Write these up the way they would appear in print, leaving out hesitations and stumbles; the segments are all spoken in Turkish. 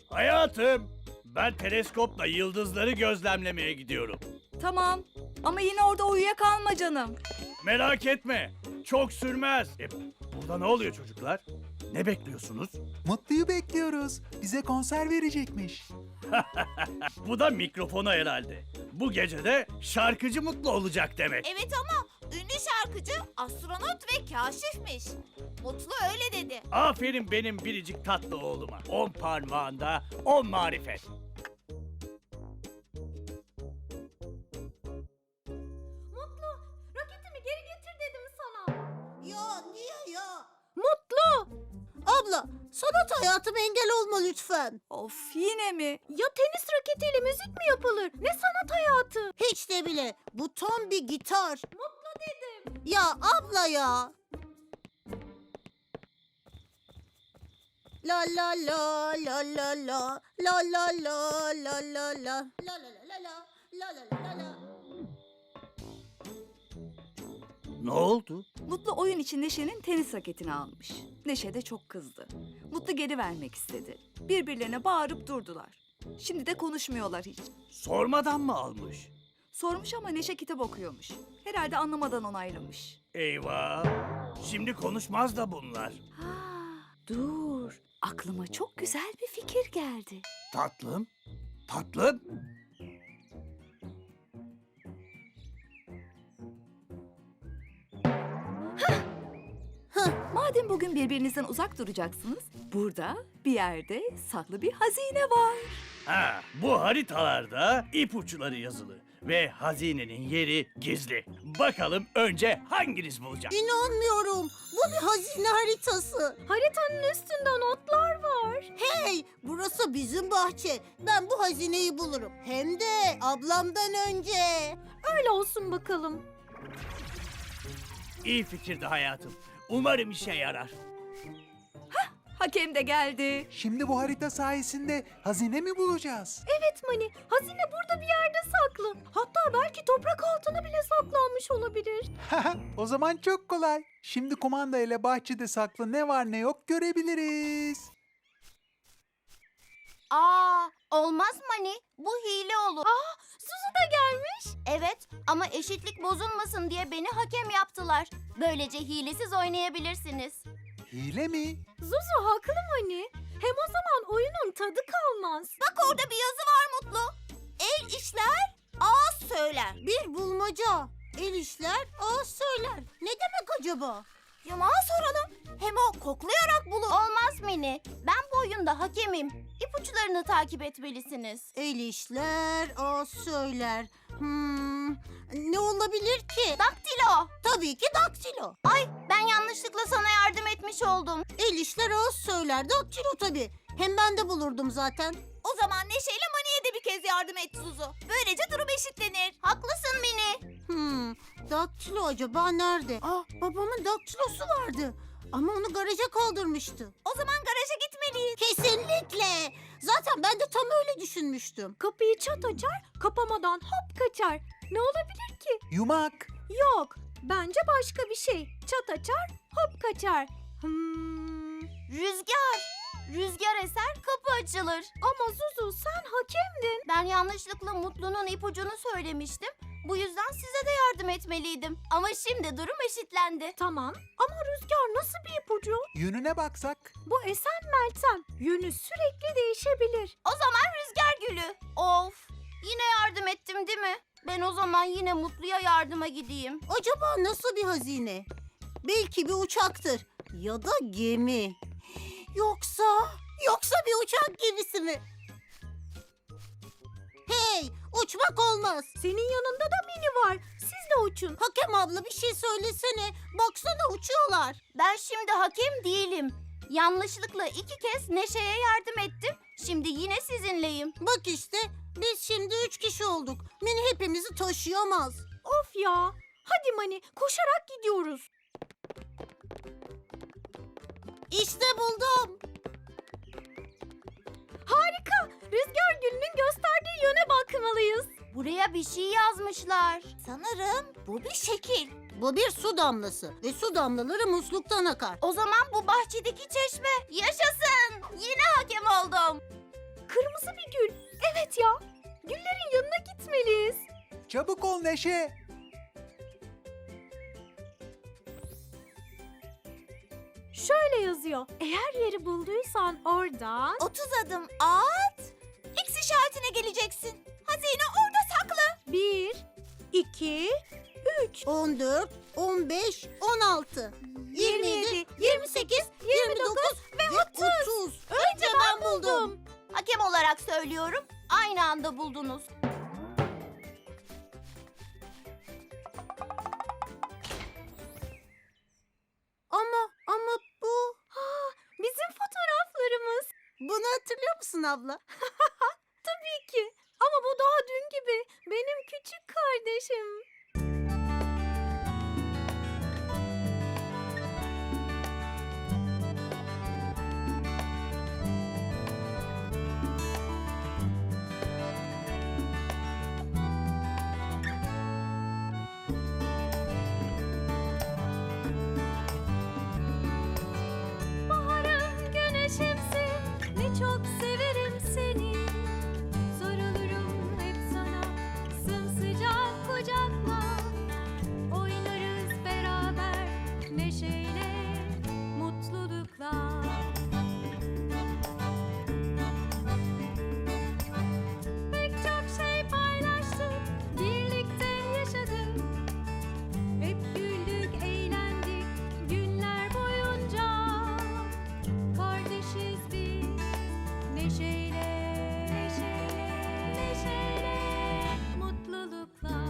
Hayatım, ben teleskopla yıldızları gözlemlemeye gidiyorum. Tamam ama yine orada uyuyakalma canım. Merak etme, çok sürmez. Burada ne oluyor çocuklar? Ne bekliyorsunuz? Mutlu'yu bekliyoruz. Bize konser verecekmiş. Bu da mikrofonu herhalde. Bu gece de şarkıcı Mutlu olacak demek. Evet ama ünlü şarkıcı astronot ve kaşifmiş. Mutlu öyle dedi. Aferin benim biricik tatlı oğluma. 10 parmağında 10 marifet. Mutlu, roketimi geri getir dedim sana. Ya niye ya? Mutlu! Abla, sanat hayatıma engel olma lütfen. Of yine mi? Ya tenis raketiyle müzik mi yapılır? Ne sanat hayatı? Hiç de bile. Bu tam bir gitar. Mutlu dedim. Ya abla ya. La la la la la la la la la la la la la la la la la la la. Ne oldu? Mutlu oyun için Neşe'nin tenis raketini almış. Neşe de çok kızdı. Mutlu geri vermek istedi. Birbirlerine bağırıp durdular. Şimdi de konuşmuyorlar hiç. Sormadan mı almış? Sormuş ama Neşe kitap okuyormuş. Herhalde anlamadan onaylamış. Eyvah! Şimdi konuşmaz da bunlar. Ha, dur. Aklıma çok güzel bir fikir geldi. Tatlım, tatlım. Madem bugün birbirinizden uzak duracaksınız, burada bir yerde saklı bir hazine var. Ha, bu haritalarda ipuçları yazılı ve hazinenin yeri gizli. Bakalım önce hanginiz bulacak? İnanmıyorum. Bu bir hazine haritası. Haritanın üstünde notlar var. Hey, burası bizim bahçe. Ben bu hazineyi bulurum. Hem de ablamdan önce. Öyle olsun bakalım. İyi fikirdi hayatım. Umarım işe yarar. Hakem de geldi. Şimdi bu harita sayesinde hazine mi bulacağız? Evet Mani, hazine burada bir yerde saklı. Hatta belki toprak altına bile saklanmış olabilir. O zaman çok kolay. Şimdi kumanda ile bahçede saklı ne var ne yok görebiliriz. Olmaz Mani. Bu hile olur. Suzu da gelmiş. Evet ama eşitlik bozulmasın diye beni hakem yaptılar. Böylece hilesiz oynayabilirsiniz. Hile mi? Zuzu haklı Mani. Hem o zaman oyunun tadı kalmaz. Bak orada bir yazı var Mutlu. El işler, ağız söyler. Bir bulmaca. El işler, ağız söyler. Ne demek acaba? Yumağa soralım. Hem o koklayarak bulur. Olmaz Mini. Ben bu oyunda hakemim. İpuçlarını takip etmelisiniz. El işler, ağız söyler. Ne olabilir ki? Daktilo. Tabii ki daktilo. Ay ben yanlışlıkla sana yardım etmiş oldum. El işler, ağız söyler. Daktilo tabii. Hem ben de bulurdum zaten. O zaman Neşe ile Mani'ye de bir kez yardım et Zuzu. Böylece durum eşitlenir. Haklısın Mini. Daktilo acaba nerede? Babamın daktilosu vardı. Ama onu garaja kaldırmıştı. O zaman garaja gitmeliyiz. Kesinlikle. Zaten ben de tam öyle düşünmüştüm. Kapıyı çat açar, kapamadan hop kaçar. Ne olabilir ki? Yumak. Yok, bence başka bir şey. Çat açar, hop kaçar. Rüzgar. Rüzgar eser kapı açılır. Ama Zuzu sen hakemdin. Ben yanlışlıkla Mutlu'nun ipucunu söylemiştim. Bu yüzden size de yardım etmeliydim. Ama şimdi durum eşitlendi. Tamam ama Rüzgar nasıl bir ipucu? Yönüne baksak. Bu esen Meltem. Yönü sürekli değişebilir. O zaman Rüzgar Gülü. Of. Yine yardım ettim değil mi? Ben o zaman yine Mutlu'ya yardıma gideyim. Acaba nasıl bir hazine? Belki bir uçaktır. Ya da gemi. Yoksa bir uçak gemisi mi? Hey, uçmak olmaz. Senin yanında da Mini var. Siz de uçun. Hakem abla bir şey söylesene. Baksana uçuyorlar. Ben şimdi hakem değilim. Yanlışlıkla 2 kez Neşe'ye yardım ettim. Şimdi yine sizinleyim. Bak işte biz şimdi 3 kişi olduk. Mini hepimizi taşıyamaz. Of ya. Hadi Mani koşarak gidiyoruz. İşte buldum. Harika. Rüzgar Gülü'nün gösterdiği yöne bakmalıyız. Buraya bir şey yazmışlar. Sanırım bu bir şekil. Bu bir su damlası ve su damlaları musluktan akar. O zaman bu bahçedeki çeşme. Yaşasın. Yine hakem oldum. ya. Güllerin yanına gitmeliyiz. Çabuk ol Neşe. Şöyle yazıyor. Eğer yeri bulduysan oradan... 30 adım at. X işaretine geleceksin. Hazine orada saklı. 1, 2, 3. 14, 15, 16, 27, 28, 29 ve 30. Önce ben buldum. Hakem olarak söylüyorum. Aynı anda buldunuz. Ama bu... Bizim fotoğraflarımız. Bunu hatırlıyor musun abla? Tabii ki. Ama bu daha dün gibi. Benim küçük kardeşim. Baharım, güneşimsin, ne çok severim seni. Sarılırım hep sana, sımsıcak kucakla. Oynarız beraber, neşeyle, mutlulukla. Pek çok şey paylaştık, birlikte yaşadık. Hep güldük, eğlendik günler boyunca. Kardeşiz biz, neşeyle, neşeyle, neşeyle, mutlulukla.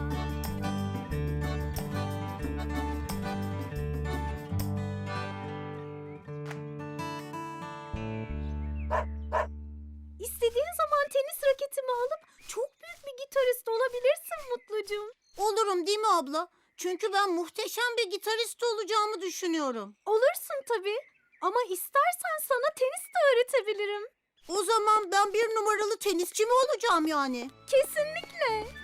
İstediğin zaman tenis raketimi alıp çok büyük bir gitarist olabilirsin Mutlucuğum. Olurum değil mi abla? Çünkü ben muhteşem bir gitarist olacağımı düşünüyorum. Olursun tabii. Ama istersen sana tenis de öğretebilirim. O zaman ben bir numaralı tenisçi mi olacağım yani? Kesinlikle.